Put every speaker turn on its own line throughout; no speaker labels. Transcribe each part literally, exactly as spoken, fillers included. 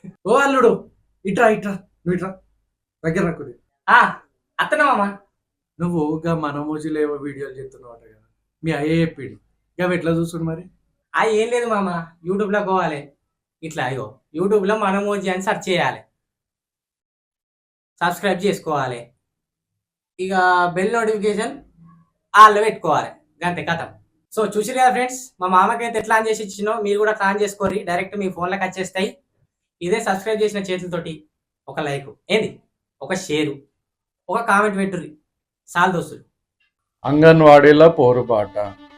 ఓ అల్లుడు ఇట్రా ఇట్రా నువ్వు ఇట్రా దగ్గర రాకుది.
ఆ అత్తనా మామ.
నువ్వు గా మనమోజీలో ఏవో వీడియోలు చెప్తున్నావు కదా, మీ అయ్యే చెప్పిండు. ఇక అవి ఎట్లా చూస్తుండు మరి?
ఆ ఏం లేదు మామ, యూట్యూబ్లో పోవాలి. ఇట్లా అయ్యో యూట్యూబ్లో మనమోజీ అని సెర్చ్ చేయాలి, సబ్స్క్రైబ్ చేసుకోవాలి, ఇక బెల్ నోటిఫికేషన్ ఆల్లో పెట్టుకోవాలి, అంతే కథం. సో చూసిరు కదా ఫ్రెండ్స్, మా మామకైతే ఎట్లా ఆన్ చేసి ఇచ్చినో మీరు కూడా ఆన్ చేసుకోరి, డైరెక్ట్ మీ ఫోన్లోకి వచ్చేస్తాయి. ఇదే సబ్స్క్రైబ్ చేసిన చేతులతోటి ఒక లైక్ ఏంది, ఒక షేరు, ఒక కామెంట్ పెట్టుర్రి సాల్ దోస్తులు.
అంగన్వాడీలో పోరుబాట.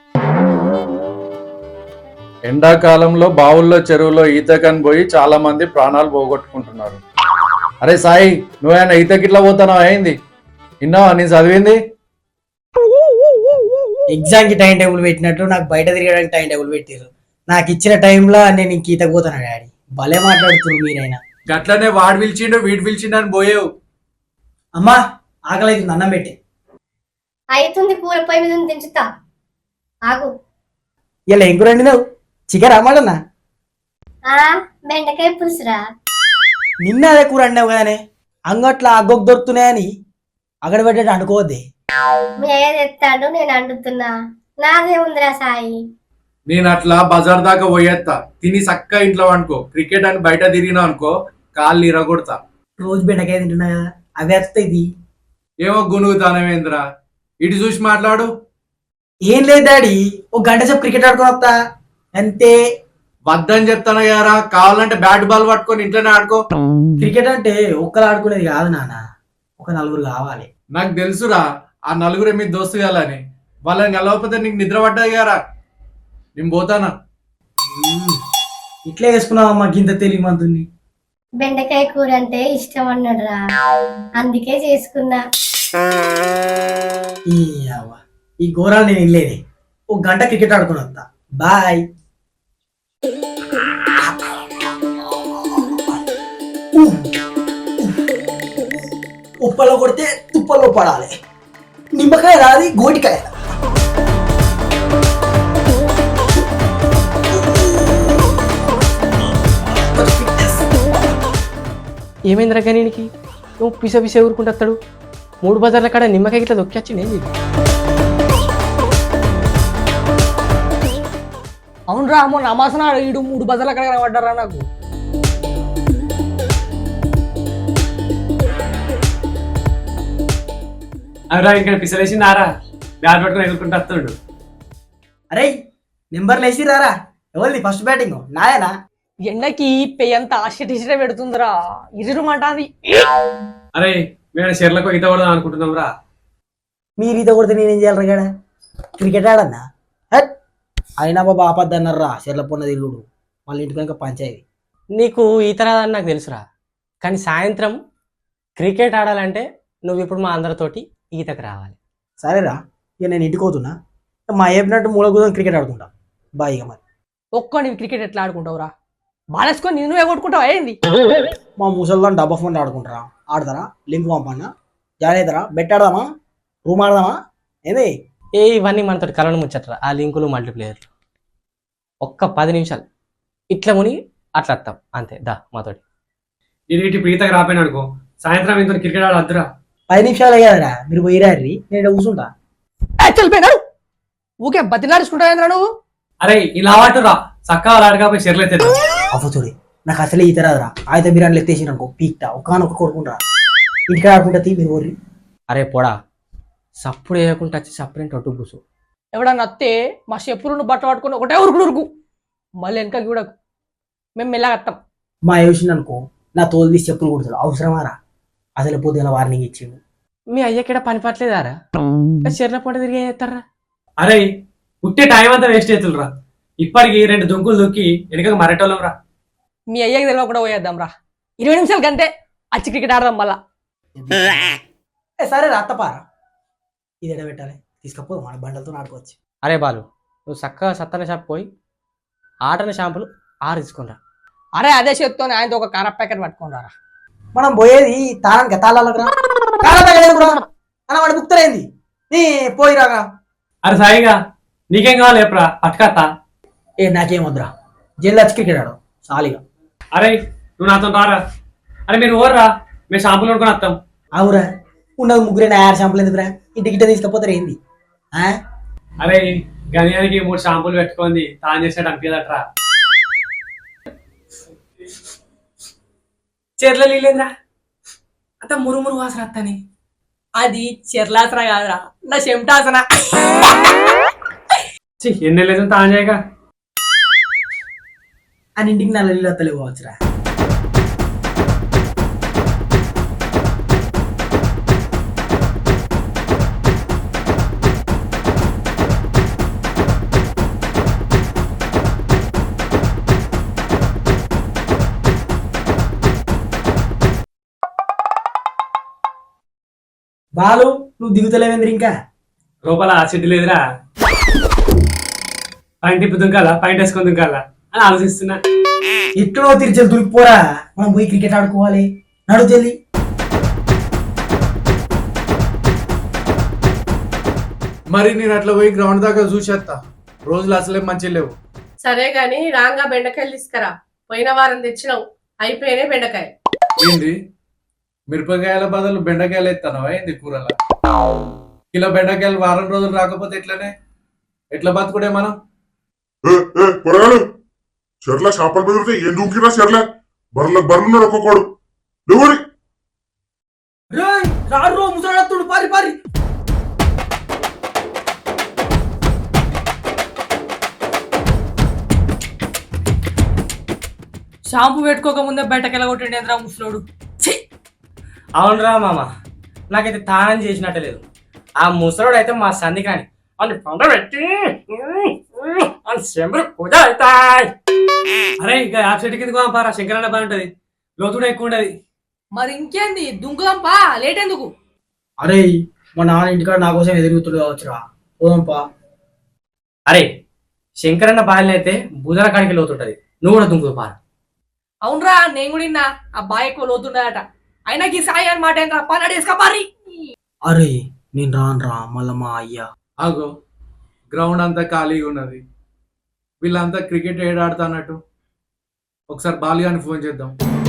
ఎండాకాలంలో బావుల్లో చెరువులో ఈతకని పోయి చాలా మంది ప్రాణాలు పోగొట్టుకుంటున్నారు. అరే సాయి, నువ్వేనా ఈతకి ఇట్లా పోతున్నావు? అయింది విన్నావా? నేను చదివింది
ఎగ్జామ్ కి టైం టేబుల్ పెట్టినట్టు నాకు బయట తిరగడానికి టైం టేబుల్ పెట్టారు. నాకు ఇచ్చిన టైంలో నేను ఇంక ఈతకు పోతాను డాడీ. భలే మాట్లాడుతున్నారు మీరైనా.
గట్లనే వాడు పిలిచిండు వీడు పిలిచిండు అని పోయావు.
అమ్మా ఆకలి అవుతుంది, అన్నం పెట్టి.
అవుతుంది, పూల పొయ్యి మీద ఉంది, తెంచుతా ఆగు.
ఇలా ఏం కూర వండినావు? చికెన్ అమ్మాడన్నా?
ఆ బెండకాయ పులుసురా.
నిన్న అదే కూర వండినావు కదనే, అంగట్ల అగ్గొక్క దొరుకుతున్నాయని అక్కడ పెట్టేట్టు అనుకోవద్దే.
మీ అయ్య తెస్తాడు, నేను అండుతున్నా. నాదే ఉందిరా సాయి.
నేను అట్లా బజార్ దాకా పోయేస్తా, తిని చక్క ఇంట్లో అనుకో. క్రికెట్ అని బయట తిరిగినా అనుకో కాళ్ళు ఇరగొడతా.
రోజు బెండకాయ తింటున్నా కదా, అవి వస్తాయి. ఇది
ఏమో గునుగుతానవేంద్రా, ఇటు చూసి మాట్లాడు.
ఏం లేదు డాడీ, ఒక గంట సేపు క్రికెట్ ఆడుకొని వస్తా అంతే.
వద్దని చెప్తాను కదరా, కావాలంటే బ్యాట్ బాల్ పట్టుకొని ఇంట్లోనే ఆడుకో.
క్రికెట్ అంటే ఒక్కరు ఆడుకునేది కాదు నాన్న, ఒక నలుగురు కావాలి.
నాకు తెలుసురా, ఆ నలుగురే మీ దోస్తు కాలని. వాళ్ళని కలవకపోతే నీకు నిద్ర పడ్డాయి కదరా. నేను పోతానా?
ఇట్లే వేసుకున్నావమ్మా గింత తెలివి మంతుని.
బెండకాయ కూర అంటే ఇష్టం అన్నాడు రా, అందుకే చేసుకున్నా.
ఈ అవ్వ, ఈ ఘోరాలు నేను వెళ్ళేది. ఒక గంట క్రికెట్ ఆడుకుని వస్తా, బాయ్. ఉప్పలో కొడితే తుప్పలో పడాలి. నిమ్మకాయ రాది, గోటికాయ.
ఏమైందిరా గనీనికి? నువ్వు పిస పిస ఊరుకుంటాడు. మూడు బజార్ల కాడ నిమ్మకాయ ఇట్లా దొక్కిచ్చింది ఏంది?
అవునరా, మొన్న అమాసనాడు ఈడు మూడు బజార్ల కాడ కనబడ్డారా నాకు.
అరా ఇక్కడ పిసలేసిందారా, బ్యాట్ పట్టుకొని ఎదుర్కొంటూ వస్తాడు.
అరే నెంబర్లు వేసి రారా. ఎవరిది ఫస్ట్ బ్యాటింగ్? నాయనా. ఎండకి పెయ్యంత ఆశ టీషర్ట్ పెడుతుందిరా, ఇరుమంటాది.
అరే మేము షెర్లకు ఈత కొడదాం అనుకుంటున్నాం రా.
మీరు ఈత కొడితే నేనేం చేయాలి గడ? క్రికెట్ ఆడన్నా? హట్ అయినా బాబా ఆపద్దన్నారా, చెర్ల పొన్న తిరుగుడు. మళ్ళీ ఇంటికి కనుక పంచాయతీ.
నీకు ఈత రాదని నాకు తెలుసురా, కానీ సాయంత్రం క్రికెట్ ఆడాలంటే నువ్వు ఇప్పుడు మా అందరితోటి ఈతకు రావాలి.
సరేరా, ఇక నేను ఇంటికి పోతున్నా. మా చెప్పినట్టు మూల కూర్చొని క్రికెట్ ఆడుకుంటా. బాయ్. ఇక మరి ఒక్క నీవు క్రికెట్ ఎట్లా ఆడుకుంటావురా? బాలేసుకొని నేను ఎగొట్టుకుంటావు అయింది. మా ముసల్దాన్ని డబ్బా ఫోన్ ఆడుకుంటారా? ఆడతారా? లింక్ పంపన్నా, జాయిన్ అవుతారా? బెట్ ఆడదామా? రూమ్ ఆడదామా? ఏంది
ఏ ఇవన్నీ మనతోటి కలను ముచ్చట్రా, ఆ లింకులు మల్టీప్లేయర్లు. ఒక్క పది నిమిషాలు ఇట్లా ముని అట్లా వస్తాం అంతే. దా మాతోటి.
నేను ఇటు ఈతకు రాపోయినా అనుకో, సాయంత్రం ఇంత క్రికెట్ ఆడ వద్దురా.
పది నిమిషాలే కదరా, మీరు పోయిరారి, నేను కూర్చుంటా. చల్లిపోయినాడు ఊకే బతిలాడుచుకుంటా నువ్వు.
అరే ఇలా వాటురా, చక్కగా ఆడకపోయి షెర్లు ఎత్తే
అవ్వతుడి. నాకు అసలే ఈత రాదురా. అయితే బిర్యానీలు ఎత్తేసి అనుకో పీక్తా, ఒక్కనొక్క కొడుకుంటారా. ఇంటికి ఆడుకుంటా తీ మీరు ఊర్రి.
అరే పోడా, సప్పుడు వేయకుండా వచ్చి సప్పుడేంటి అడ్డు కూసు.
ఎవడన్నా అత్తే మా చెప్పులు బట్ట పట్టుకుని ఒకటే ఉరుకుడు ఉరుకు, మళ్ళీ వెనక చూడకు. మేము మెల్లగా వస్తాం. మా యోసిన అనుకో నా తోలు తీసి చెప్పులు కుడతాడు. అవసరమారా? అసలు పొద్దున వార్నింగ్ ఇచ్చిండు.
మీ అయ్యక్కడ పని పట్టలేదారా? చెర్ల పూట తిరిగి చేస్తారా?
అరే ఉట్టే టైం అంతా వేస్ట్ అవుతుండ్రా. ఇప్పటికి రెండు దుంకులు దుక్కి వెనుక మరటోళ్ళం రా.
మీ అయ్యకి తెలియకుండా పోయేద్దాం రా. ఇరవై నిమిషాల కంటే అచ్చి క్రికెట్ ఆడదాం మళ్ళా. సరే రా అత్తపారా, ఇది ఎడ పెట్టాలి తీసుకపోదు, మన బండలతో ఆడుకోవచ్చు.
అరే బాలు, నువ్వు చక్కగా సత్తన షాప్ పోయి ఆటన షాంపులు ఆరు తీసుకురా.
అరే అదే చేత్తో ఆయనతో ఒక కార ప్యాకెట్ పట్టుకుంటారా. మనం పోయేది తాళానికి తాళాలకు రా. కార ప్యాకెట్ అలా వాడు బుక్తరైంది నీ పోయి రాగా.
అరే సాయిగా నీకేం కావాలి ఎప్పుడా పట్టుకత్తా?
ఏ నాకేం వద్దురా, జైలు వచ్చి క్రికెట్ ఆడు సాలిగా.
అరే నువ్వు నాతో రారా. అరే మీరు ఓర్రా, మేము షాంపూలు కొనుక్కొని వస్తాం.
అవురా, ఉన్నది ముగ్గురే ఆరు షాంపులు ఎందుకురా, ఇంటికి ఇట్ట తీసుకపోతారు ఏంది? ఆ?
అరే గణ్యానికి మూడు షాంపూలు పెట్టుకుంది తాను చేసేట అనిపించదట్రా.
చెర్ల నీళ్ళేంద్రా అంత మురుమురు వాసన వస్తాని. అది చెర్లాసన కాదురా, నా చెమటాసన.
ఎన్ని లేదు తాను చేయక
అని ఇంటికి నల్ల నీళ్ళు వస్తలేవు కావచ్చురా. బాలు, నువ్వు దిగుతలేవేంద్ర ఇంకా?
లోపల చెట్టు లేదురా, పైన తిప్పి దుంకాలా పైన వేసుకొని దుంకాలా అని ఆలోచిస్తున్నా.
ఎక్కడో తిరిచి దురికిపోరా, మనం పోయి క్రికెట్ ఆడుకోవాలి. నడు చెల్లి.
మరి నేను అట్లా పోయి గ్రౌండ్ దాకా చూసేస్తా. రోజులు అసలే మంచి లేవు.
సరే గాని రాంగా బెండకాయలు తీసుకురా. పోయిన వారం తెచ్చినావు, అయిపోయినాయి బెండకాయ.
ఏంది మిరపకాయల బదులు బెండకాయలు ఎత్తానవా ఏంది కూరల? కిలో బెండకాయలు వారం రోజులు రాకపోతే ఎట్లనే ఎట్లా బతుకుడే మనం?
చెర్ల చేపలు బెదిరితే ఏం దూకిరా చెర్ల బర్లకు బర్రున్నాడు ఒక్కొక్కడు ఎవరి
రాడు ముసలాడుతుడు, పారి పారి.
షాంపూ పెట్టుకోక ముందే బయటకెళ్ళ కొట్టిండేంద్రా ముసలోడు.
అవునరా మామ, నాకైతే తానం చేసినట్టే లేదు. ఆ ముసలోడు అయితే మా సంధి కాని అని పండబెట్టి చెంబులు పూజ అవుతాయి.
అరే ఇంకా యాప్ చెట్టు కింద పారా, శంకరన్న పని ఉంటది, లోతుడు ఎక్కువ ఉంటది.
మరి ఇంకేంది, దుంకుదాంపా, లేట్ ఎందుకు?
అరే మా నాన్న ఇంటికాడ నా కోసం ఎదురుగుతుడు కావచ్చురా, పోదాంపా.
అరే శంకరన్న బాల్యం అయితే బుధన కాడికి లోతుంటది, నువ్వు కూడా దుంకుదు పా.
అవునరా, నేను కూడా విన్నా ఆ బాయ్ ఎక్కువ లోతుండదట. అయినా ఈ సాయి అనమాట ఏంద్రా, పని వేసుకోపారి.
అరే నేను రాను రా, మళ్ళా మా అయ్యా.
ఆగో, గ్రౌండ్ అంతా ఖాళీగా ఉన్నది, వీళ్ళంతా క్రికెట్ ఏడాడుతున్నట్టు. ఒకసారి బాలిగాని ఫోన్ చేద్దాం.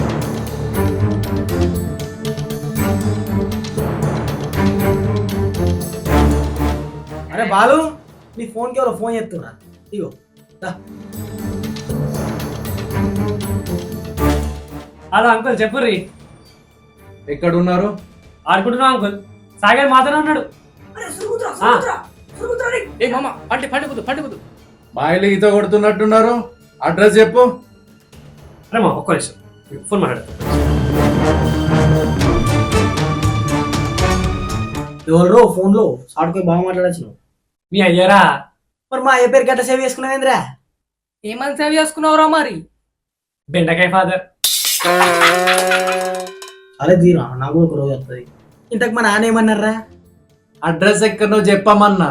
అరే బాలు, నీ ఫోన్కి ఎవరో ఫోన్ చేస్తున్నా, ఇగో దా.
హలో అంకుల్ చెప్పుర్రి.
ఎక్కడున్నారు?
ఆడుకుంటున్నాం అంకుల్, సాగర్ మాత్రమే ఉన్నాడు.
ఏ మామ, పండి పండుకుదు పండుకుదు.
బాయిలు ఈత కొడుతున్నట్టున్నారు, అడ్రస్ చెప్పు.
అరే మా ఒక్క నిమిషం ఫోన్ మాట్లాడు.
ఎవరో ఫోన్లో సాడుకొని బాగా మాట్లాడచ్చు.
మీ అయ్యారా?
మరి మా అయ్య పేరు గట్ట సేవ్ చేసుకున్నావేంద్రా?
ఏమని సేవ్ చేసుకున్నావురా మరి?
బెండకాయ ఫాదర్.
అరే దీరా, నాకు ఒక రోజు వస్తుంది. ఇంతకు మా నాన్న ఏమన్నారా?
అడ్రస్ ఎక్కడో చెప్పమన్నా.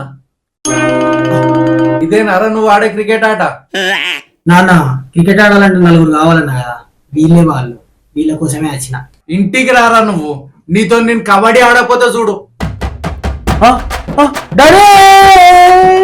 ఇదేనారా నువ్వు ఆడే క్రికెట్ ఆట?
నాన్న, క్రికెట్ ఆడాలంటే నలుగురు కావాలన్నా కదా, వీళ్ళే వాళ్ళు, వీళ్ళ కోసమే వచ్చిన.
ఇంటికి రారా నువ్వు, నీతో నేను కబడ్డీ ఆడకపోతే చూడు.
డాడీ